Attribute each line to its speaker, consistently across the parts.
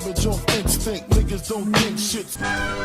Speaker 1: savage on instinct. Niggas don't think shit's.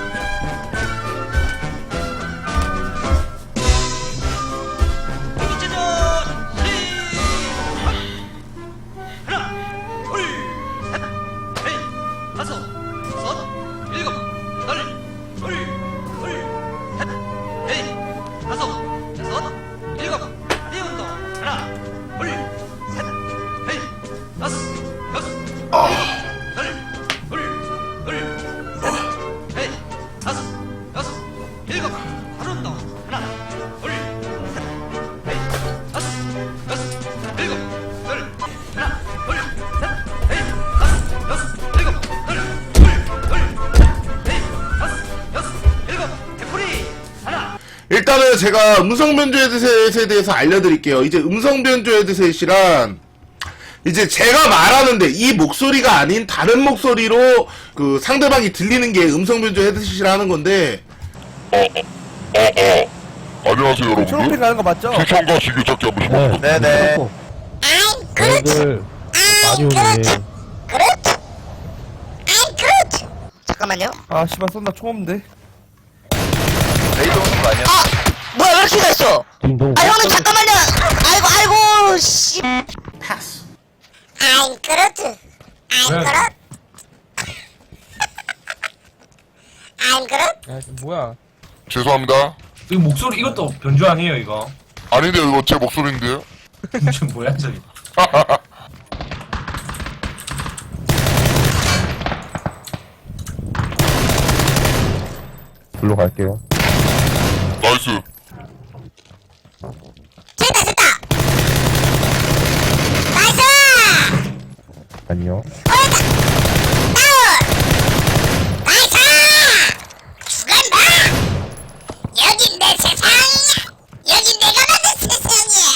Speaker 2: 일단은 제가 음성 변조 헤드셋에 대해서 알려드릴게요. 이제 음성 변조 헤드셋이란 이제 제가 말하는데 이 목소리가 아닌 다른 목소리로 그 상대방이 들리는 게 음성 변조 헤드셋이라 는 건데.
Speaker 3: 안녕하세요 여러분들.
Speaker 4: 초록색 가는 거 맞죠?
Speaker 3: 추천과 즐겨찾기 한번 해봅니다.
Speaker 4: 네네.
Speaker 5: 애들 많이 오네.
Speaker 6: 잠깐만요.
Speaker 4: 아 씨발 쏜다 총 없는데.
Speaker 7: 레이더 오는 거 아니야?
Speaker 6: 뭐야 왜 이렇게 됐어?
Speaker 5: 딩동.
Speaker 6: 아 형님 잠깐만요. 아이고 씨.
Speaker 2: 패스.
Speaker 6: 아이 그렇지. 아이 그렇.
Speaker 4: 야 뭐야?
Speaker 3: 죄송합니다.
Speaker 8: 이거 목소리 이것도 변조 아니에요 이거?
Speaker 3: 아닌데 이거 제 목소리인데요?
Speaker 8: 저 뭐야 저기?
Speaker 5: 불러 갈게요.
Speaker 3: 나이스.
Speaker 6: 됐다. 나이스.
Speaker 5: 안녕.
Speaker 6: 나이스. 죽었나? 여긴 내 세상이야. 여긴 내가 만든 세상이야.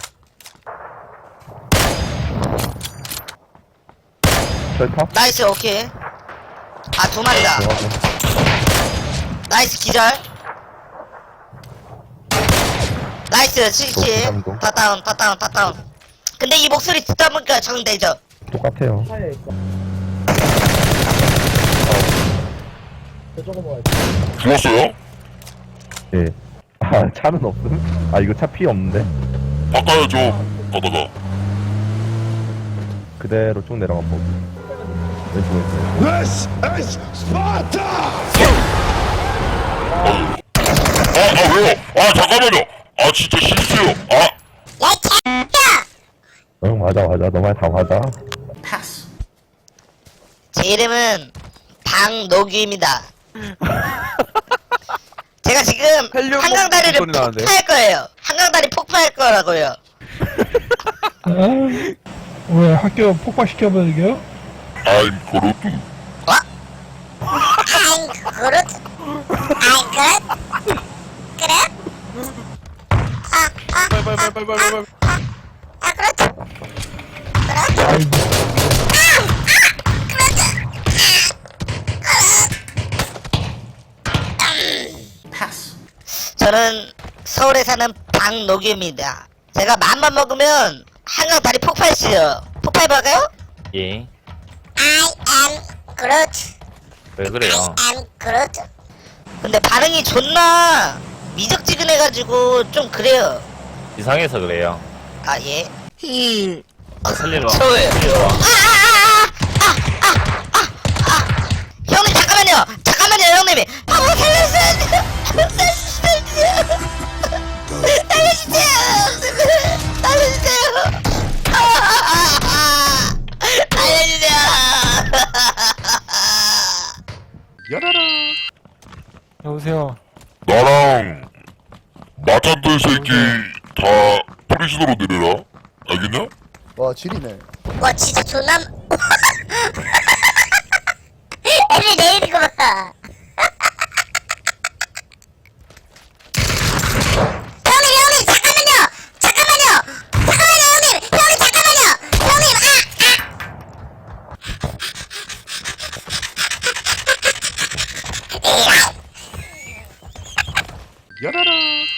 Speaker 5: 셀탑?
Speaker 6: 나이스 오케이. 아 두 마리다. 나이스 기절. 나이스 스위치.
Speaker 5: 감동.
Speaker 6: 다 다운. 근데 이 목소리 듣다 보니까 적응되죠?
Speaker 5: 똑같아요.
Speaker 3: 죽었어요?
Speaker 5: 예. 아, 차는 없음? 아, 이거 차 피 없는데?
Speaker 3: 바꿔야죠. 가다가.
Speaker 5: 그대로 쭉 내려가 보고. 왼쪽에 있어요.
Speaker 1: This is Sparta!
Speaker 3: 왜요? 잠깐만요. 진짜 실수요.
Speaker 6: 야 개야!
Speaker 5: 응, 맞아. 너 말 다 맞아.
Speaker 2: 패스.
Speaker 6: 제 이름은 방노규입니다. 제가 지금
Speaker 4: 헬륨
Speaker 6: 한강다리를
Speaker 4: 소리 나는데.
Speaker 6: 폭파할 거예요. 한강다리 폭파할 거라고요.
Speaker 5: 왜 학교 폭파시켜버리게요?
Speaker 3: I'm 그루트.
Speaker 6: 아이 그렇. 그래?
Speaker 4: 빨빨빨빨빨빨.
Speaker 6: 아 그렇지.
Speaker 2: 패스.
Speaker 6: 저는 서울에 사는 방노규입니다. 제가 맘만 먹으면 한강 다리 폭발시요. 폭발해볼까요?
Speaker 7: 예.
Speaker 6: I am Groot.
Speaker 7: 왜 그래요?
Speaker 6: am Groot. 근데 반응이 존나 미적지근해가지고 좀 그래요.
Speaker 7: 이상해서 그래요.
Speaker 6: 아 예.
Speaker 7: 살리러
Speaker 6: 저예요. 형님 잠깐만요 형님이. 한번 살려주세요.
Speaker 5: 여보세요.
Speaker 3: 나랑 마찬들 새끼 다 프리즌으로 내려라. 알겠냐?
Speaker 9: 와 지리네.
Speaker 6: 와 진짜 존나 애들 내리는 거 봐.